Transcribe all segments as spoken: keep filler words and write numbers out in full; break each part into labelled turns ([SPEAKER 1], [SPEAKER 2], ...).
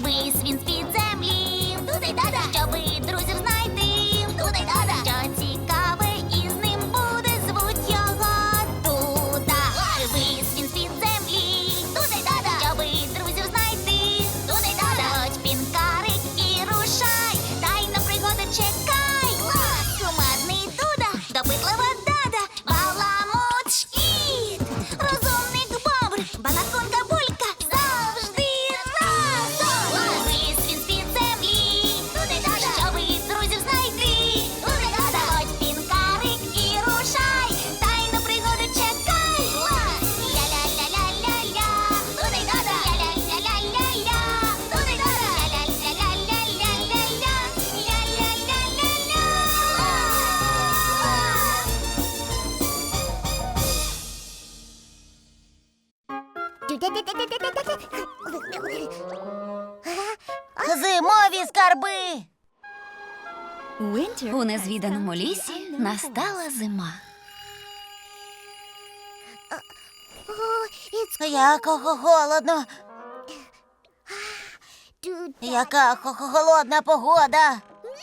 [SPEAKER 1] Вись він з-під землі. Туди-дада. Щоби друзів знайти. Туди-дада. Що цікаве із ним буде, звуть його Дуда. Вись він з-під землі. Туди-дада. Щоби друзів знайти. Туди-дада. Заходь, пінкарик, і рушай. Тайна пригода чекай. Кумедний Дуда, допитлива Дада, баламут шкіт, розумник Бобр, балаконка Булька завжди разом. Вись він з-під землі. Туди-дада. Щоби друзів знайти. Туди-дада. Заходь, пінкарик, і рушай. Тайну пригоду чекай. Ля-ля-ля-ля-ля-ля. Туди-дада. Ля-ля-ля-ля-ля-ля. Туди-дада. Ля-ля-ля-ля-ля-ля. Ля-ля-ля-ля-ля.
[SPEAKER 2] Зимові скарби.
[SPEAKER 3] У незвіданому лісі настала зима.
[SPEAKER 2] Як хо- холодно. Яка хо- хо- холодна погода.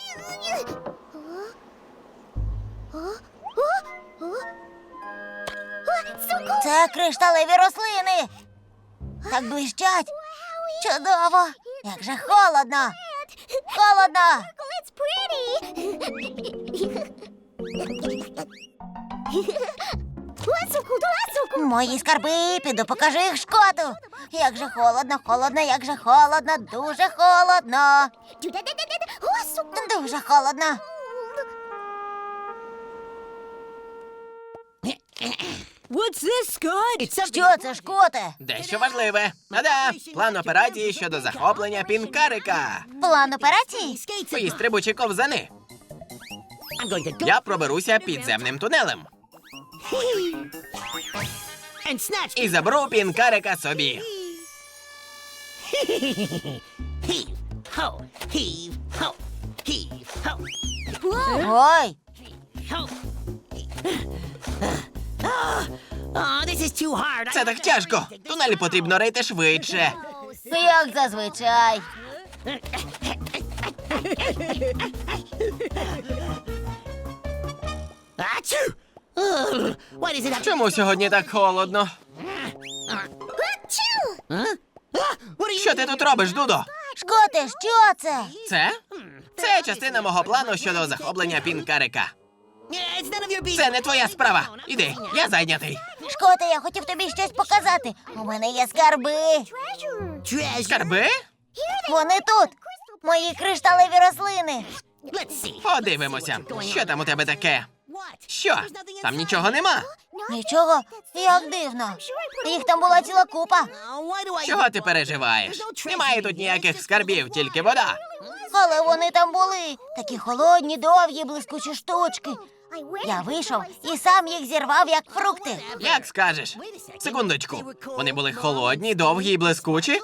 [SPEAKER 2] Це кришталеві рослини. Так блищать. Чудово. Як же холодно. Холодно. Мої скарби, піду покажу їх Шкоту. Як же холодно, холодно, як же холодно, дуже холодно. Дуже холодно. Що це, Шкоте?
[SPEAKER 4] Дещо важливе. Ада, план операції щодо захоплення пінкарика.
[SPEAKER 2] План операції?
[SPEAKER 4] Твої стрибучі ковзани. Я проберуся підземним тунелем. І заберу пінкарика собі.
[SPEAKER 2] Ой,
[SPEAKER 4] Це так тяжко. Тунелі потрібно рити швидше.
[SPEAKER 2] як зазвичай.
[SPEAKER 4] Чому сьогодні так холодно? Що ти тут робиш, Дудо?
[SPEAKER 2] Шкоте, що це?
[SPEAKER 4] Це? Це частина мого плану щодо захоплення пінкарика. Це не твоя справа. Іди, я зайнятий.
[SPEAKER 2] Шкоте, я хотів тобі щось показати. У мене є скарби.
[SPEAKER 4] Скарби?
[SPEAKER 2] Вони тут. Мої кришталеві рослини.
[SPEAKER 4] Подивимося. Що там у тебе таке? Що? Там нічого нема.
[SPEAKER 2] Нічого, як дивно. Їх там була ціла купа.
[SPEAKER 4] Чого ти переживаєш? Немає тут ніяких скарбів, тільки вода.
[SPEAKER 2] Але вони там були. Такі холодні, довгі, блискучі штучки. Я вийшов і сам їх зірвав, як фрукти.
[SPEAKER 4] Як скажеш? Секундочку. Вони були холодні, довгі і блискучі?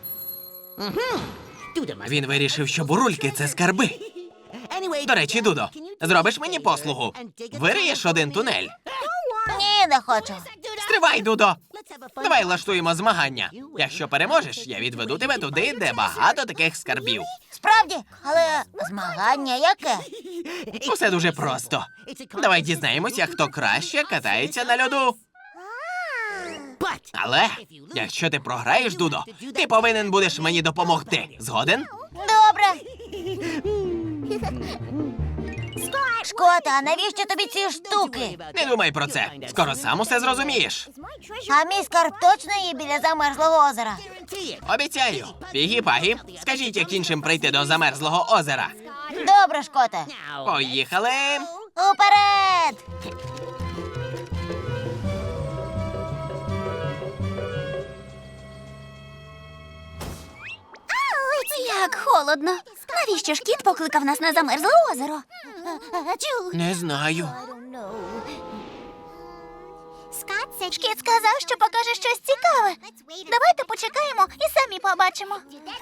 [SPEAKER 4] Він вирішив, що бурульки – це скарби. До речі, Дудо, зробиш мені послугу? Вириєш один тунель.
[SPEAKER 2] Ні, не хочу.
[SPEAKER 4] Стривай, Дудо! Давай влаштуємо змагання. Якщо переможеш, я відведу тебе туди, де багато таких скарбів.
[SPEAKER 2] Справді, але змагання яке?
[SPEAKER 4] Усе дуже просто. Давай дізнаємося, хто краще катається на льоду. Але, якщо ти програєш, Дудо, ти повинен будеш мені допомогти. Згоден?
[SPEAKER 2] Добре. Шкота, а навіщо тобі ці штуки?
[SPEAKER 4] Не думай про це. Скоро сам усе зрозумієш.
[SPEAKER 2] А мій скарб точно є біля замерзлого озера?
[SPEAKER 4] Обіцяю. Пігі-пагі, скажіть, як іншим прийти до замерзлого озера.
[SPEAKER 2] Добре, Шкоте.
[SPEAKER 4] Поїхали.
[SPEAKER 2] Уперед!
[SPEAKER 3] Як холодно. Навіщо ж кіт покликав нас на замерзле озеро?
[SPEAKER 4] Не знаю.
[SPEAKER 3] Шкіт сказав, що покаже щось цікаве. Давайте почекаємо і самі побачимо.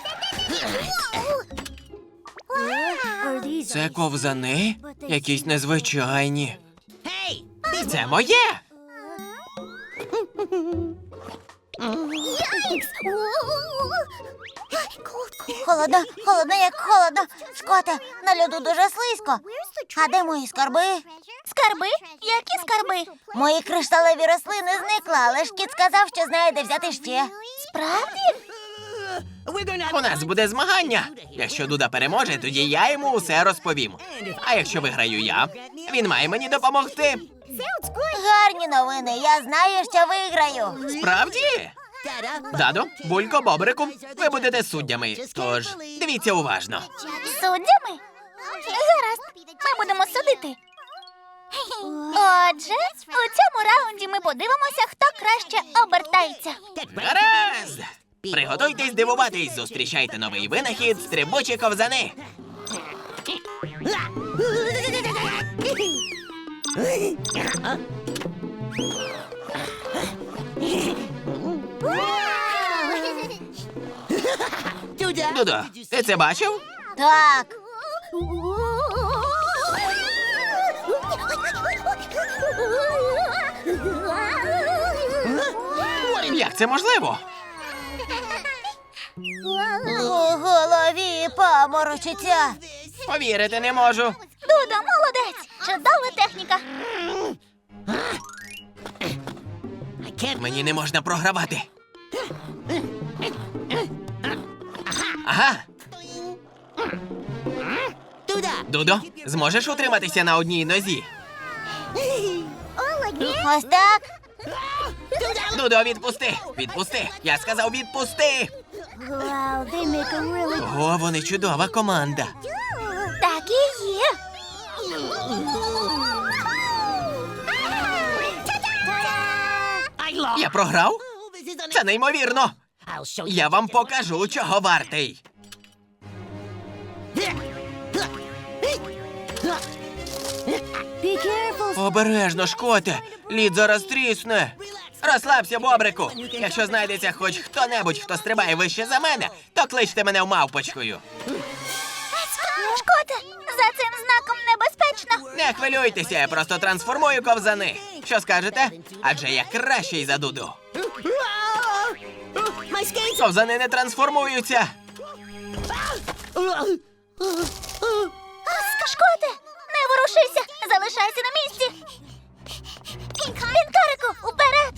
[SPEAKER 4] Це ковзани? Якісь незвичайні. Це моє.
[SPEAKER 2] Холодно, холодно, як холодно. Шкоте, на льоду дуже слизько. А де мої скарби?
[SPEAKER 3] Скарби? Які скарби?
[SPEAKER 2] Мої кришталеві рослини зникли, але ж кіт сказав, що знає, де взяти ще.
[SPEAKER 3] Справді?
[SPEAKER 4] У нас буде змагання. Якщо Дуда переможе, тоді я йому усе розповім. А якщо виграю я, він має мені допомогти.
[SPEAKER 2] Гарні новини, я знаю, що виграю.
[SPEAKER 4] Справді? Дадо, Булько, Бобрику, ви будете суддями. Тож, дивіться уважно.
[SPEAKER 3] Суддями? Гаразд, ми будемо судити. Отже, у цьому раунді ми подивимося, хто краще обертається.
[SPEAKER 4] Гаразд! Приготуйтесь дивуватись, зустрічайте новий винахід стрибучі ковзани. Дудо, ти це бачив?
[SPEAKER 2] Так.
[SPEAKER 4] Як це можливо?
[SPEAKER 2] У голові паморочиться.
[SPEAKER 4] Повірити не можу.
[SPEAKER 3] Дудо, молодець! Чудова техніка.
[SPEAKER 4] Мені не можна програвати. Ага. Дудо, зможеш утриматися на одній нозі?
[SPEAKER 2] Ось так.
[SPEAKER 4] Дудо, відпусти! Відпусти! Я сказав, відпусти! О, вони чудова команда.
[SPEAKER 3] Так і є.
[SPEAKER 4] Я програв? Це неймовірно! Я вам покажу, чого вартий. Обережно, Шкоте! Лід зараз трісне. Розслабся, Бобрику. Якщо знайдеться хоч хто-небудь, хто стрибає вище за мене, то кличте мене мавпочкою.
[SPEAKER 3] Шкоте, за цим знаком небезпечно.
[SPEAKER 4] Не хвилюйтеся, я просто трансформую ковзани. Що скажете? Адже я кращий за Дуду. Ковзани не трансформуються.
[SPEAKER 3] Шкоте, не ворушися, залишайся на місці. Пінкарику, уперед!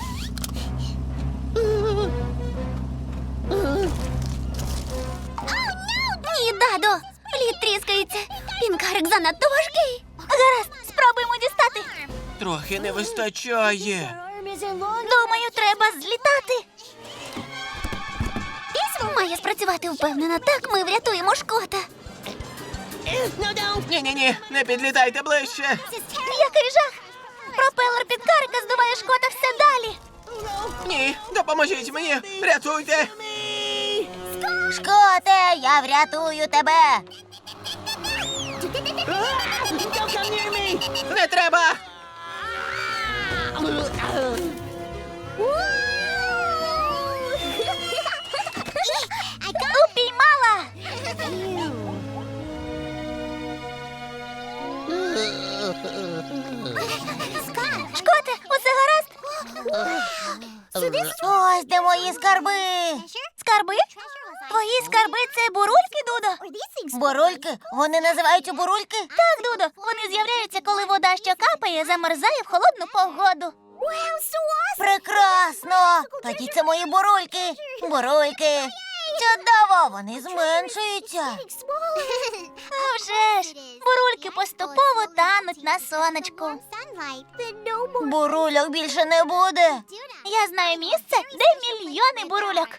[SPEAKER 3] Ні, Дадо, лід тріскається. Пінкарик занадто важкий. Гаразд, спробуємо дістати.
[SPEAKER 4] Трохи не вистачає.
[SPEAKER 3] Думаю, треба злітати. Має спрацювати впевнена. Так ми врятуємо Шкота.
[SPEAKER 4] Ні-ні-ні, не підлітайте ближче.
[SPEAKER 3] Який жах! Пропелер Пінкарика здуває Шкота все далі.
[SPEAKER 4] Ні, допоможіть мені, рятуйте.
[SPEAKER 2] Шкоте, я врятую тебе.
[SPEAKER 4] Не треба.
[SPEAKER 3] Упіймала! Шкоте, усе гаразд?
[SPEAKER 2] Ось де мої скарби.
[SPEAKER 3] Скарби? Твої скарби – це бурульки, Дудо?
[SPEAKER 2] Бурульки? Вони називаються бурульки?
[SPEAKER 3] Так, Дудо, вони з'являються, коли вода, що капає, замерзає в холодну погоду.
[SPEAKER 2] Прекрасно! Тоді це мої бурульки. Бурульки. Чудово, вони зменшуються.
[SPEAKER 3] А вже ж, бурульки поступово тануть на сонечку.
[SPEAKER 2] Бурульок більше не буде.
[SPEAKER 3] Я знаю місце, де мільйони бурульок.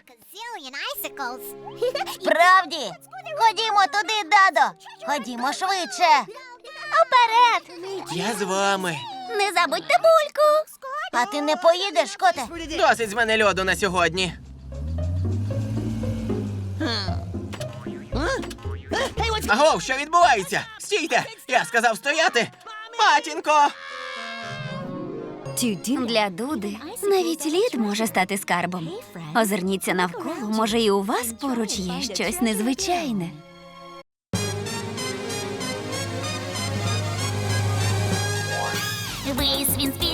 [SPEAKER 2] Справді? Ходімо туди, Дадо. Ходімо швидше.
[SPEAKER 3] Уперед!
[SPEAKER 4] Я з вами.
[SPEAKER 3] Не забудьте бульку.
[SPEAKER 2] А ти не поїдеш, Шкоте?
[SPEAKER 4] Досить з мене льоду на сьогодні. Агов, що відбувається? Стійте! Я сказав стояти! Матінко!
[SPEAKER 5] Для Дуди навіть лід може стати скарбом. Озирніться навколо, може і у вас поруч є щось незвичайне.
[SPEAKER 1] Весь він спів